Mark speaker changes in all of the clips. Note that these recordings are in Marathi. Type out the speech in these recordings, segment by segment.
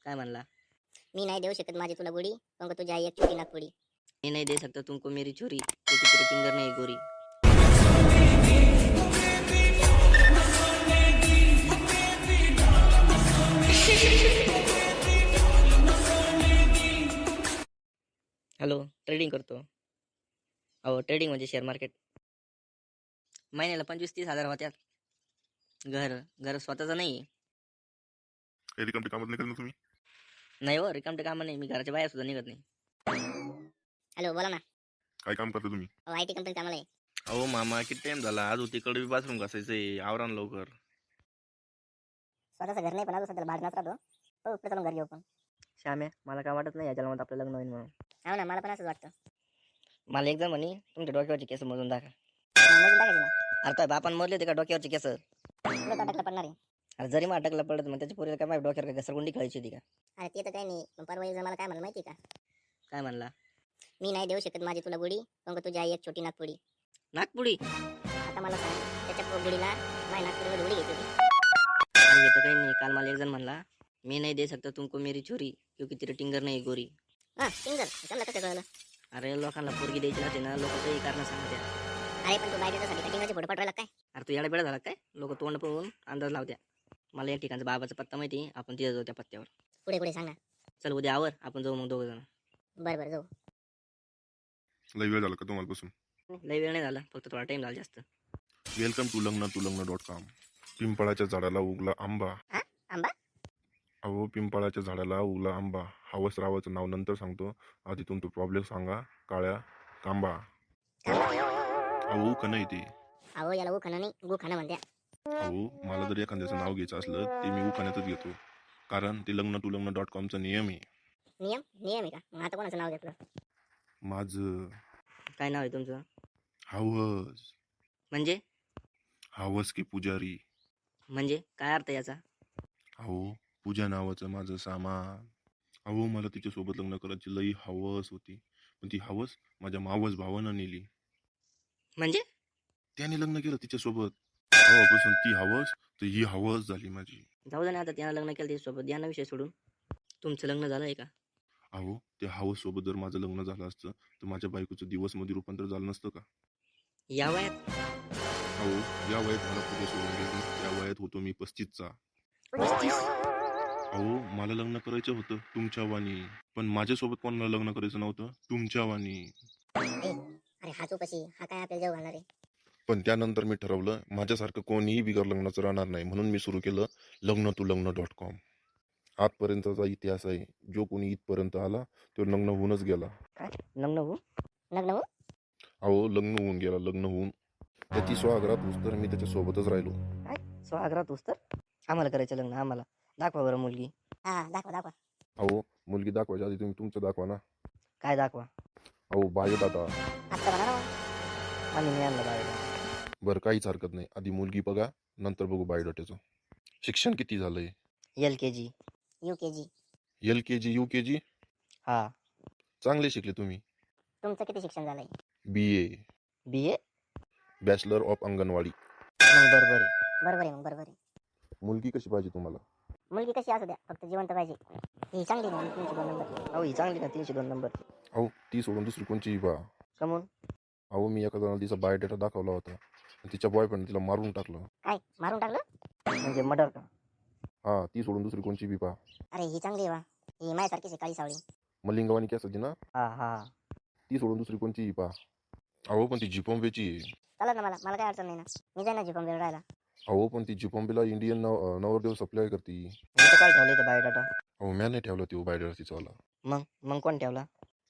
Speaker 1: काय म्हणला?
Speaker 2: मी नाही देऊ शकत माझी तुला गोडी, पण तुझी आई एक छोटी नागपुडी.
Speaker 1: मैं नहीं दे सकता तुमको मेरी छोरी क्योंकि तेरे फिंगर नहीं गोरी. हॅलो, ट्रेडिंग करतो. अहो, ट्रेडिंग म्हणजे शेअर मार्केट. महिन्याला 25-30 हजार होत्यात. घर स्वतःचं नाही.
Speaker 3: काही रिकामटे कामच नाही करत ना तुम्ही.
Speaker 1: नाही हो, रिकामटे कामं नाही. मी घराच्या बाहेर सुद्धा निघत नाही.
Speaker 2: हॅलो, बोला ना.
Speaker 3: काय काम करता तुम्ही?
Speaker 2: IT कंपनी कामाला आहे.
Speaker 4: अहो मामा, किती टाइम झाला? आज तिकडे बी बाथरूम घासायचंय. आवरा ना लवकर.
Speaker 2: स्वतःचं घर नाही, पण अजून सध्याला भाडणाच राहतो. हो, पुढे चालून घर घेऊ पण.
Speaker 1: श्याम्या, मला काय वाटत नाही या जन्मात आपलं लग्न होईल म्हणून.
Speaker 2: हो ना, मला पण असंच वाटतं.
Speaker 1: मला एकदा म्हणे तुमच्या डोक्यावरची केस मोजून दाखवा.
Speaker 2: मोजून टाकायची ना.
Speaker 1: अरे काय बापान मोजले ते का डोक्यावरची केस?
Speaker 2: तुला तो अटकला पडणार आहे.
Speaker 1: अरे जरी मला अटकला पडत मग त्याच्या पोरीला काय माझ्या डोक्यावर काय घसरगुंडी खेळायची होती का?
Speaker 2: अरे ते तर काही नाही, पण परवा एकदा मला काय म्हणलं माहिती का?
Speaker 1: काय म्हणला?
Speaker 2: मी नाही देऊ शकत माझी तुला गोडी, पण तुझी आई एक छोटी नागपुडी.
Speaker 1: नागपुडी?
Speaker 2: आता मला सांग, त्याच्या गोडीला माझ्या नागपुडीमध्ये उडी घ्यायची होती.
Speaker 1: अरे येतं काही नाही. काल मला एक जण म्हणला मी नाही दे सकता तुमको मेरी छोरी क्योंकि तेरे टिंगर नाही गोरी.
Speaker 2: हा, सिंगल समजा कसं कळलं?
Speaker 1: अरे लोकांना पोरगी द्यायची नसते ना, लोक काही कारण सांगत्या.
Speaker 2: अरे पण तू बायडेसाठी कटिंगचे फोटो पाठवायला काय?
Speaker 1: अरे तू याडा बेडा झाला काय? लोक तोंड पाहून अंदाज लावत्या. मला एक ठिकाणचा बाबाचा पत्ता माहिती, आपण तिथे जाऊ त्या पत्त्यावर.
Speaker 2: पुढे सांग ना.
Speaker 1: चल उद्या आवर, आपण जाऊ मग 2 जण.
Speaker 2: बरं जाऊ.
Speaker 3: लई वेळ झाला का तुम्हाला बसून?
Speaker 1: लय वेळ नाही झाला, फक्त थोडा टाइम झाला जास्त.
Speaker 3: वेलकम टू लग्न.com. पिंपळाच्या झाडाला उगला आंबा.
Speaker 2: आंबा?
Speaker 3: अहो, पिंपळाच्या झाडाला उगला आंबा. हवस रावाचं नाव नंतर सांगतो, आधी तुमचं प्रॉब्लेम सांगा. काळ्या कांबा. अहो का नाही ते?
Speaker 2: अहो याला उखाणं नाही, गुखाणं म्हणत्या.
Speaker 3: अहो, मला जर एखाद्याचं नाव घ्यायचं असलं ते मी उखाण्यातच घेतो, कारण ते लग्न.com चा नियम आहे.
Speaker 2: नियम आहे का? मग आता कोणाचं नाव घेतलं?
Speaker 3: माझं
Speaker 1: काय नाव आहे तुमचं?
Speaker 3: हवस.
Speaker 1: म्हणजे
Speaker 3: हवस की पुजारी.
Speaker 1: म्हणजे काय अर्थ याचा?
Speaker 3: अहो, पूजा नावाचं माझं सामान. अहो, मला तिच्यासोबत लग्न करायची लई हवस होती, पण ती हवस माझ्या मावस भावानं नेली.
Speaker 1: म्हणजे
Speaker 3: त्याने लग्न केलं तिच्यासोबत. तेव्हापासून ती हवस तर ही हवस झाली माझी.
Speaker 1: जाऊ दे ना, आता त्यानं लग्न केलं त्याच्यासोबत, यांना विषय सोडून. तुमचं लग्न झालंय का?
Speaker 3: अहो, त्या हवस सोबत जर माझं लग्न झालं असतं तर माझ्या बायकोचं दिवसमध्ये रूपांतर झालं नसतं का?
Speaker 1: या वयात?
Speaker 3: अहो, या वयात मला पुढे सोडून गेली. त्या वयात होतो मी 35चा.
Speaker 1: 35?
Speaker 3: अहो, मला लग्न करायचं होतं तुमच्या वाणी, पण माझ्यासोबत कोणाला लग्न करायचं नव्हतं, तुमच्या वाणी.
Speaker 2: अरे हा तू कशी, हा काय आपल्याला जेव घालणार आहे?
Speaker 3: पण त्यानंतर मी ठरवलं माझ्यासारखं कोणीही बिगर लग्नाचं राहणार नाही, म्हणून मी सुरू केलं लग्न.com. आजपर्यंतचा इतिहास आहे. जो कोणी इथपर्यंत आला तो लग्न होऊनच गेला.
Speaker 1: काय लग्न हो?
Speaker 2: लग्न हो?
Speaker 3: अहो, लग्न होऊन गेला, लग्न होऊन. त्याची स्वागरात होऊस तर मी त्याच्या सोबतच राहिलो.
Speaker 1: काय स्वागरात होस तर? आम्हाला करायचं लग्न, आम्हाला दाखवा बरं मुलगी.
Speaker 2: हा दाखवा.
Speaker 3: अहो, मुलगी दाखवायच्या आधी तुम्ही तुमचं दाखवा ना.
Speaker 1: काय दाखवा?
Speaker 3: अहो, बायोडाटा.
Speaker 2: आता बघा ना.
Speaker 1: आम्ही नाही आणलं बाहेर.
Speaker 3: बरं, काहीच हरकत नाही. आधी मुलगी बघा, नंतर बघू बायोडाट्याचं. शिक्षण किती झालंय?
Speaker 1: LKG.
Speaker 2: UKG.
Speaker 3: LKG UKG?
Speaker 1: हा.
Speaker 3: चांगले शिकले तुम्ही.
Speaker 2: तुमचं किती शिक्षण झालंय?
Speaker 3: BA.
Speaker 1: BA?
Speaker 3: Bachelor of anganwadi.
Speaker 1: मग बरोबर आहे.
Speaker 3: मुलगी कशी पाहिजे तुम्हाला?
Speaker 2: मुलगी कशी असू द्या, फक्त जिवंत पाहिजे. ही चांगली नाही, 302 नंबर.
Speaker 1: अहो ही चांगली ना, 302 नंबर.
Speaker 3: अहो, ती सोडून दुसरी कोणची बा.
Speaker 1: कमून?
Speaker 3: अहो, मी एका जणाला तिचा बायोडेटा दाखवला होता, तिच्या बॉयफ्रेंड तिला मारून टाकलं.
Speaker 2: काय मारून टाकलं?
Speaker 1: म्हणजे मर्डर का?
Speaker 3: हा, ती सोडून दुसरी कोणची बी पा.
Speaker 2: अरे ही चांगली वा, ही माझ्यासारखीच आहे, काळी सावळी.
Speaker 3: मलिंगवानी केस होती ना,
Speaker 1: हा.
Speaker 3: ती सोडून दुसरी कोणची पा. अहो, पण ती जिपॉम्बेची आहे.
Speaker 2: चालत ना, मला काय अडचण नाही ना. मी जाईन ना जिपॉम्बेला राहायला.
Speaker 3: अहो, पण ती जिपॉम्बेला इंडियन नवरदेव सप्लाय करते.
Speaker 1: मी तर काय ठेवलं इथं बायोडाटा?
Speaker 3: अहो, म्या नाही ठेवला तो बायोडेटा तिचावाला.
Speaker 1: मग कोण ठेवला?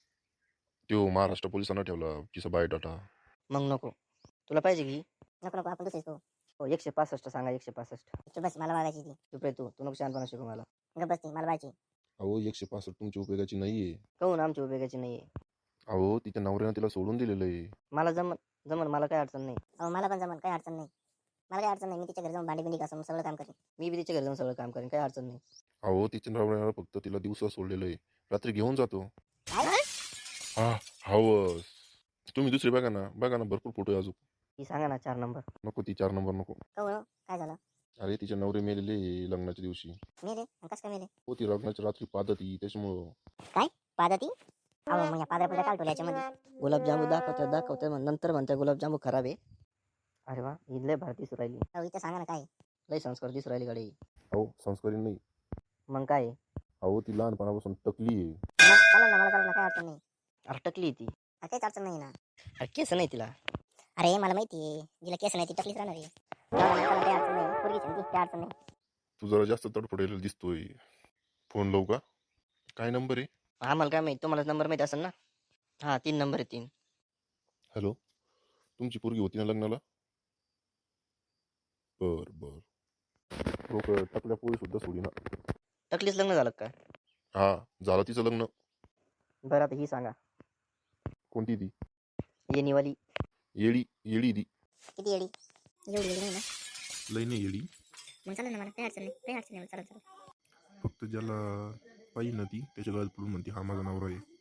Speaker 3: तो महाराष्ट्र पोलिसांना ठेवला तिचा बायोडाटा.
Speaker 1: मग नको. तुला पाहिजे की?
Speaker 2: नको आपण दुसरीच पाहू.
Speaker 1: हो 165 सांगा, 165.
Speaker 2: चुप बस, मला बघायची ती.
Speaker 1: चुप रे तू नको शहाणपणा शिकू मला.
Speaker 2: गप बस ती, मला बघायची.
Speaker 3: अहो, 165 तुमच्या उपयोगाची नाहीये.
Speaker 1: कहून आमची उपयोगाची नाहीये?
Speaker 3: अहो, तिच्या नवऱ्यानं तिला सोडून दिलेलं आहे.
Speaker 1: मला जमन मला काय अडचण नाही.
Speaker 2: अहो मला पण जमन, काही अडचण नाही. मला काही अडचण नाही, मी तिच्या घरी जाऊन भांडी बिंडी घासून सगळं काम करेन.
Speaker 1: मी बी तिच्या घरी जाऊन सगळं काम करेन, काही अडचण नाही.
Speaker 3: अहो, तिच्या नवऱ्यानं फक्त तिला दिवसा सोडलेलं आहे, रात्री घेऊन जातो.
Speaker 2: काय?
Speaker 3: हा, हवस. तुम्ही दुसरी बघा ना, भरपूर फोटो आहे अजून.
Speaker 1: ती सांगा ना 4 नंबर.
Speaker 3: नको, ती 4 नंबर नको.
Speaker 2: कहू काय झालं?
Speaker 3: अरे तिचे नवरे मेलेले लग्नाच्या दिवशी.
Speaker 2: मेले आणि कसं काय मेले?
Speaker 3: हो ती लग्नाच्या रात्री पादती त्याच्यामुळं.
Speaker 2: काय पादती? अहो मग या पादऱ्या पुढे काढतो याच्यामध्ये.
Speaker 1: गुलाबजामू दाखवते मग नंतर म्हणते गुलाबजामू खराब आहे. अरे वा ही लय भारती दिसू राहिली.
Speaker 2: अहो इथं सांगा ना काय?
Speaker 1: लय संस्कार दिसू राहिली गाडी.
Speaker 3: अहो संस्कारी नाही.
Speaker 1: मग काय आहे?
Speaker 3: अहो ती लहानपणापासून टकली आहे.
Speaker 2: मग चालेल ना, मला चालेल ना, काय अडचण नाही.
Speaker 1: अटकली ती.
Speaker 2: काहीच अडचण नाही ना.
Speaker 1: अरे केस नाही तिला.
Speaker 2: अरे मला माहिती आहे, जिला केस नाही ती टकलीच राहणार आहे. जाऊ दे, मला काही अडचण नाही, पोरगीच आहे ना ती, काही अडचण नाही.
Speaker 3: तू जरा जास्त तडफडायला दिसतोय. फोन लावू का? काय नंबर आहे?
Speaker 1: आम्हाला काय माहिती, तुम्हाला नंबर माहिती असेल ना. हा 3 नंबर आहे 3.
Speaker 3: हॅलो, तुमची पोरगी होती ना लग्नाला? बर बर. लोक टकल्या पोळी सुद्धा सोडी ना.
Speaker 1: टकलीच लग्न झालं का?
Speaker 3: हा झालं तिचं लग्न.
Speaker 1: बरं आता ही सांगा.
Speaker 3: कोणती ती?
Speaker 1: येणीवाली.
Speaker 3: येडी येडी ती.
Speaker 2: किती येडी? एवढी येडी नाही ना.
Speaker 3: लई नाही येडी.
Speaker 2: मग चालेल ना, मला काही अडचण नाही, काही अडचण नाही, चालेल चालेल.
Speaker 3: फक्त ज्याला पाहिजे ना ती त्याच्या गळ्यात पडून म्हणते हा माझा नवरा आहे.